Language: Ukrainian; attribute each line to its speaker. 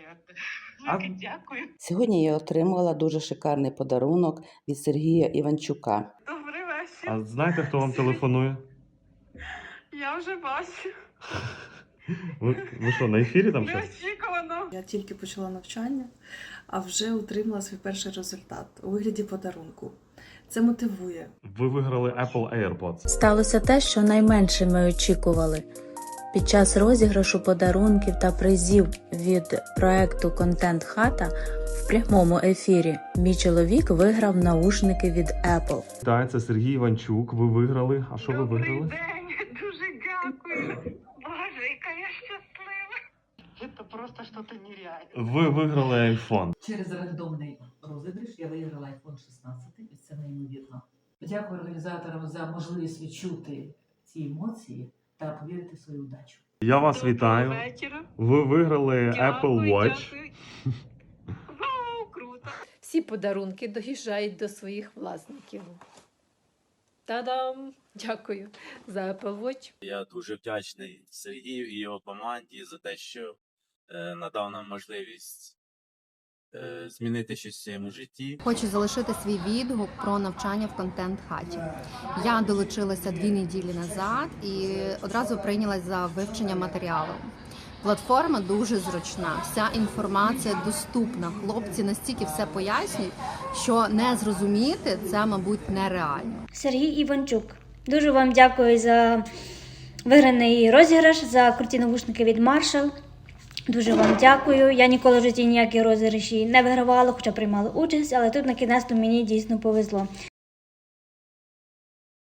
Speaker 1: Велике дякую.
Speaker 2: Сьогодні я отримала дуже шикарний подарунок від Сергія Іванчука.
Speaker 1: Добрий вечір.
Speaker 3: А знаєте, хто вам телефонує?
Speaker 1: Я вже бачу.
Speaker 3: Ви що, на ефірі там щось?
Speaker 1: Неочікувано.
Speaker 4: Я тільки почала навчання, а вже отримала свій перший результат у вигляді подарунку. Це мотивує.
Speaker 3: Ви виграли Apple AirPods.
Speaker 5: Сталося те, що найменше ми очікували. Під час розіграшу подарунків та призів від проекту «Контент Хата» в прямому ефірі мій чоловік виграв наушники від Apple.
Speaker 3: Так, це Сергій Іванчук. Ви виграли. А що ви
Speaker 1: Добрий
Speaker 3: виграли?
Speaker 1: день. Дуже дякую. Боже, яка я щаслива. Це просто щось нереальне.
Speaker 3: Ви виграли iPhone.
Speaker 6: Через рандомний розіграш я виграла iPhone 16, і це неймовірно. Дякую організаторам за можливість відчути ці емоції та повірити в свою удачу.
Speaker 3: Я вас вітаю.
Speaker 1: Вечора.
Speaker 3: Ви виграли Apple Watch.
Speaker 1: Дякую. Вау, круто.
Speaker 7: Всі подарунки доїжджають до своїх власників. Та-дам! Дякую за Apple Watch.
Speaker 8: Я дуже вдячний Сергію і його команді за те, що надав нам можливість змінити щось в своєму житті.
Speaker 9: Хочу залишити свій відгук про навчання в контент-хаті. Я долучилася 2 неділі назад і одразу прийнялась за вивчення матеріалу. Платформа дуже зручна, вся інформація доступна. Хлопці настільки все пояснюють, що не зрозуміти це, мабуть, нереально.
Speaker 10: Сергій Іванчук. Дуже вам дякую за виграний розіграш, за круті навушники від Marshall. Дуже вам дякую. Я ніколи в житті ніякі розіграші не вигравала, хоча приймала участь, але тут на кінець мені дійсно повезло.